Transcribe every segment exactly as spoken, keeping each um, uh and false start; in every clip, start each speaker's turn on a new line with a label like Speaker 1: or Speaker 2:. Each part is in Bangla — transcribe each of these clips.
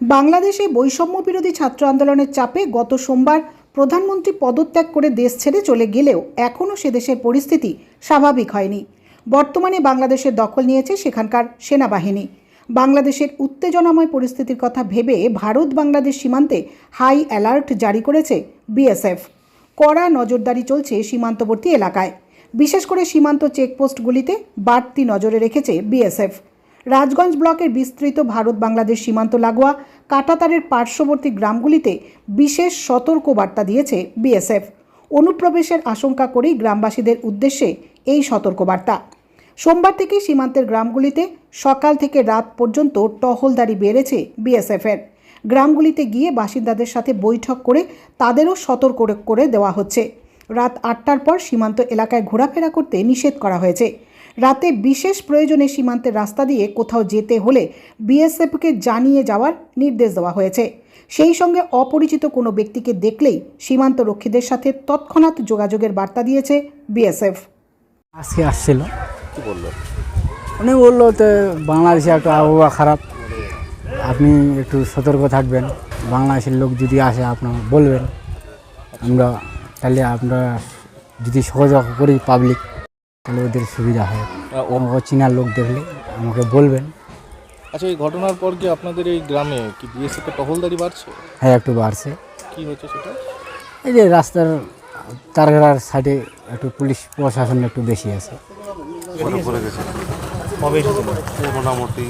Speaker 1: বাংলাদেশে বৈষম্য বিরোধী ছাত্র আন্দোলনের চাপে গত সোমবার প্রধানমন্ত্রী পদত্যাগ করে দেশ ছেড়ে চলে গেলেও এখনও সে দেশের পরিস্থিতি স্বাভাবিক হয়নি। বর্তমানে বাংলাদেশের দখল নিয়েছে সেখানকার সেনাবাহিনী। বাংলাদেশের উত্তেজনাময় পরিস্থিতির কথা ভেবে ভারত বাংলাদেশ সীমান্তে হাই অ্যালার্ট জারি করেছে বিএসএফ। কড়া নজরদারি চলছে সীমান্তবর্তী এলাকায়, বিশেষ করে সীমান্ত চেকপোস্টগুলিতে বাড়তি নজরে রেখেছে বিএসএফ। রাজগঞ্জ ব্লকের বিস্তৃত ভারত বাংলাদেশ সীমান্ত লাগোয়া কাঁটাতারের পার্শ্ববর্তী গ্রামগুলিতে বিশেষ সতর্কবার্তা দিয়েছে বিএসএফ। অনুপ্রবেশের আশঙ্কা করেই গ্রামবাসীদের উদ্দেশ্যে এই সতর্কবার্তা। সোমবার থেকে সীমান্তের গ্রামগুলিতে সকাল থেকে রাত পর্যন্ত টহলদারি বেড়েছে বিএসএফের। গ্রামগুলিতে গিয়ে বাসিন্দাদের সাথে বৈঠক করে তাদেরও সতর্ক করে দেওয়া হচ্ছে। রাত আটটার পর সীমান্ত এলাকায় ঘোরাফেরা করতে নিষেধ করা হয়েছে। রাতে বিশেষ প্রয়োজনে সীমান্তের রাস্তা দিয়ে কোথাও যেতে হলে বিএসএফকে জানিয়ে যাওয়ার নির্দেশ দেওয়া হয়েছে। সেই সঙ্গে অপরিচিত কোনো ব্যক্তিকে দেখলেই সীমান্ত রক্ষীদের সাথে তৎক্ষণাৎ যোগাযোগের বার্তা দিয়েছে বিএসএফ।
Speaker 2: আজকে আসছিল,
Speaker 3: কি বললো?
Speaker 2: উনি বললো তো বাংলাদেশে একটা আবহাওয়া খারাপ, আপনি একটু সতর্ক থাকবেন, বাংলাদেশের লোক যদি আসে আপনার বলবেন, আমরা তাহলে আমরা যদি সহযোগ করি পাবলিক তাহলে ওদের সুবিধা হয়। অচেনা লোক দেখলে আমাকে বলবেন।
Speaker 3: আচ্ছা, এই ঘটনার পর কি আপনাদের এই গ্রামে কি বিএসএফের টহলদারি বাড়ছে?
Speaker 2: হ্যাঁ, একটু বাড়ছে।
Speaker 3: কি হচ্ছে সেটা?
Speaker 2: এই যে রাস্তার তারঘাড়ার সাইডে একটু পুলিশ প্রশাসন একটু বেশি আছে।
Speaker 4: পড়ে গেছে
Speaker 3: কবে এসেছিল?
Speaker 4: মোটামুটি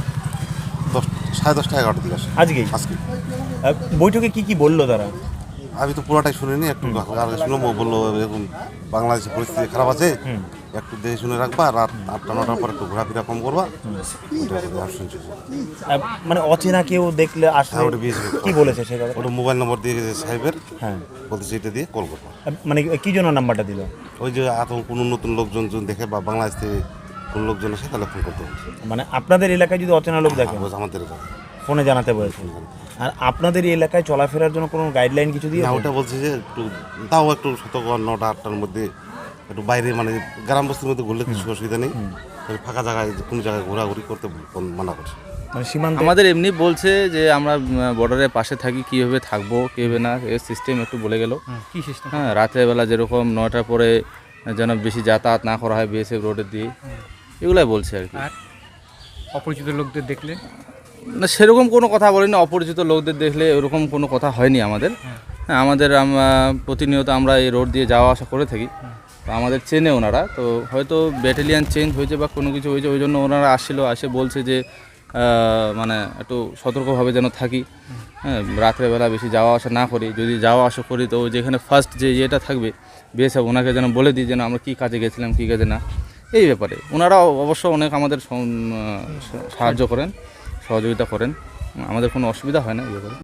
Speaker 4: দশ সাড়ে দশটা এগারোটার দিকে আসে
Speaker 5: আজকে
Speaker 4: আজকে।
Speaker 5: বৈঠকে কি কি বললো তারা?
Speaker 4: আমি তো পুরোটাই শুনিনি, একটু আগে শুনলাম। ও বললো এরকম বাংলাদেশের পরিস্থিতি খারাপ আছে, একটু দেখে শুনে রাখবা, রাত আটটা নটার পর একটু ঘোরাফেরা কম করবা। শুনছি
Speaker 5: মানে অচেনা কেউ দেখলে আসলে
Speaker 4: ওটা বিএসএফ
Speaker 5: কি বলেছে সে কথা?
Speaker 4: ওটা মোবাইল নম্বর দিয়ে গেছে সাহেবের,
Speaker 5: হ্যাঁ,
Speaker 4: বলতেছে এটা দিয়ে কল করবা।
Speaker 5: মানে কি জন্য নাম্বারটা দিল?
Speaker 4: ওই যে এত কোনো নতুন লোকজন যদি দেখে বা বাংলাদেশ থেকে কোন লোকজন আসে তাহলে ফোন করতে হবে।
Speaker 5: মানে আপনাদের এলাকায় যদি অচেনা লোক দেখে
Speaker 4: আমাদের এলাকায়
Speaker 5: ফোনে জানাতে বলেছে। আর আপনাদের এই এলাকায় চলাফেরার জন্য কোনো গাইডলাইন কিছু দিয়ে?
Speaker 4: না, ওটা বলছে যে একটু তাও একটু সতর্ক, নটা আটটার মধ্যে একটু বাইরে, মানে গ্রাম বস্তির মধ্যে ঘুরলে কিছু অসুবিধা নেই, ফাঁকা জায়গায় কোনো জায়গায় ঘোরাঘুরি করতে মানা করছে।
Speaker 5: মানে সীমান্ত
Speaker 6: আমাদের এমনি বলছে যে আমরা বর্ডারের পাশে থাকি, কীভাবে থাকবো কীভাবে না, এর সিস্টেম একটু বলে গেল।
Speaker 5: কি সিস্টেম?
Speaker 6: হ্যাঁ, রাত্রেবেলা যেরকম নয়টার পরে যেন বেশি যাতায়াত না করা হয় বিএসএফ রোডের দিয়ে, এগুলাই বলছে আর কি।
Speaker 7: অপরিচিত লোকদের দেখলে?
Speaker 6: না, সেরকম কোনো কথা বলিনি। অপরিচিত লোকদের দেখলে এরকম কোনো কথা হয়নি আমাদের। হ্যাঁ, আমাদের প্রতিনিয়ত আমরা এই রোড দিয়ে যাওয়া আসা করে থাকি, তো আমাদের চেনে ওনারা। তো হয়তো ব্যাটালিয়ান চেঞ্জ হয়েছে বা কোনো কিছু হয়েছে, ওই জন্য ওনারা আসছিলো, আসে বলছে যে মানে একটু সতর্কভাবে যেন থাকি, হ্যাঁ, রাত্রেবেলা বেশি যাওয়া আসা না করি। যদি যাওয়া আসা করি তো যেখানে ফার্স্ট যে ইয়েটা থাকবে বিএসএফ, ওনাকে যেন বলে দিই যেন আমরা কী কাজে গেছিলাম কী কাজে না। এই ব্যাপারে ওনারা অবশ্য অনেক আমাদের সাহায্য করেন, সহযোগিতা করেন, আমাদের কোনো অসুবিধা হয় না এই ব্যাপারে।